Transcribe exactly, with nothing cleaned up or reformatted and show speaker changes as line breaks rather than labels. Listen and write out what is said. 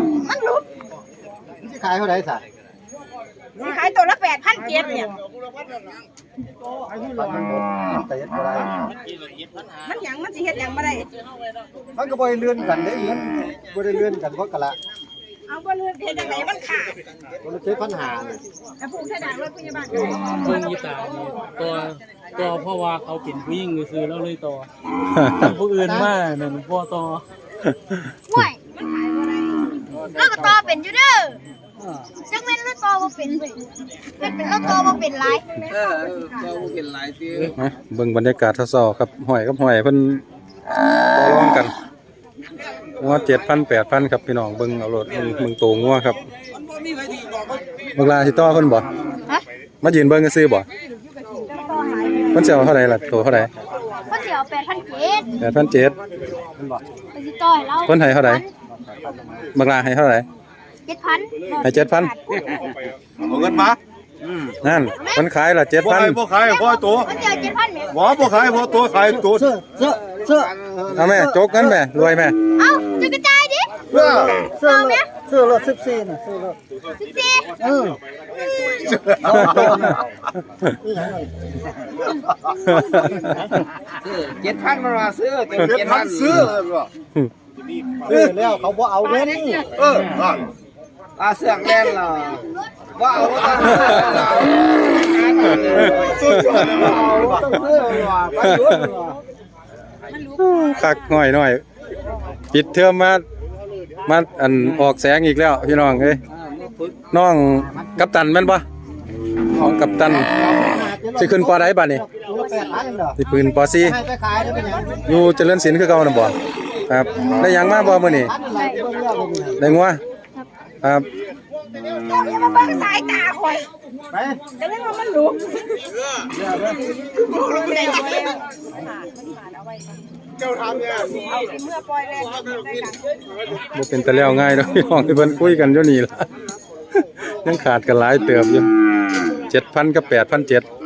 มันลุก
สิขายเท่าไหร่สัตว์
สิขายตัวละแปดพันเจ็ดเนี่ย
แต่เฮ็ดบ่ได้
มันหยังมันสิเฮ็ดหยังบ่ได้
มันก็บ่ได้เลื่อนกันได้เลื่อนบ่ได้เลื่อนกันเพราะกะละ
เอาบ่เลื่อนเฮ็ดจังไดมันขาด
มันใช้ปัญหานี่
แต่ผู้ใช้ด่างรถพยาบาล
เพิ่นอีตานี่ตัวตัวเพราะว่าเขาเป็นผู้หญิงซื่อแล้วเลยต่อผู้อื่นมานั่นบ่ต่อ
ห่วยมันขายบ่ได้แล้วก็ต่อเป็นอยู่เด้อจังแม่นแล้วต่อบ่เป็นเว้ยเป็นเป็นแล้วต่อบ่เป็นหลาย
เออต่อบ่เป็นหลายติ
เบิ่งบรรยากาศเช้าๆครับห้อยกับห้อยเพิ่นต่อรองกันงัว เจ็ดพัน แปดพัน ครับพี่น้องเบิ่งเอาโลดเบิ่งโตงัวครับบักลาสิต่อเพิ่นบ่
ฮะ
มายืนเบิ่งซื่อบ่เพิ่นสิเอาเท่าไหร่ล่ะโตเท่าไหร่
เพิ่นสิเอาแปดพันเจ็ด
แปดพันเจ็ด
เพิ่นบ่เพิ่นสิต่อให้เรา
เพิ่นให้เท่าไหร่บักลาให้เท่าไหร่
เจ็ดพัน
ให้ เจ็ดพัน
เอาเงินมา
นั่นเพิ่นขายล่ะ เจ็ดพัน
บ่ขายพอตัว
เพิ่นสิเอาเจ็ดพันแม่
บ่บ่ขายพอตัวขายตัวเสื้อเสื้อเสื้อ
เอาแม่จกกันแม่รวยแม่
เอ้าจะกระจายดิ
เสื้อเสื้อเสื้อรถสิบสี่น่ะเสื้อรถ
สิบสี่
เออ
เจ็ดพันมันว่าซื้อแต่เจ็ดพัน
ซื้อเออแล้วเขาบ่เอาเงินเออ
อาเสือกแล่นล่ะว่าเอาว่า
สุดยอดเลยว่าต้องซื้อว่าไปยุ่ง
ว่าคักหน่อยหน่อยปิดเทอมมามาอันออกแสงอีกแล้วพี่น้องเอ้ยน้องกัปตันแม่นบ่ของกัปตันสิขึ้นปอใดบัดนี้สิปืนปอสี่อยู่เจริญศิลป์คือเก่าน่ะบ่ครับได้หยังมาบ่มื้อนี้ได้งัวครับ
อย่ามาเบิ่งสายตาข่อยไปแต่ว่ามันลุก
เจ้าทำเนี่ย
เอาสิเมื่อปล่อยแรง
บ่เป็นตะแล้วง่ายดอกพี่น้องที่เพิ่นคุยกันอยู่นี่ล่ะยังขาดกันหลายเติบอยู่ เจ็ดพัน กับ แปดพันเจ็ดร้อย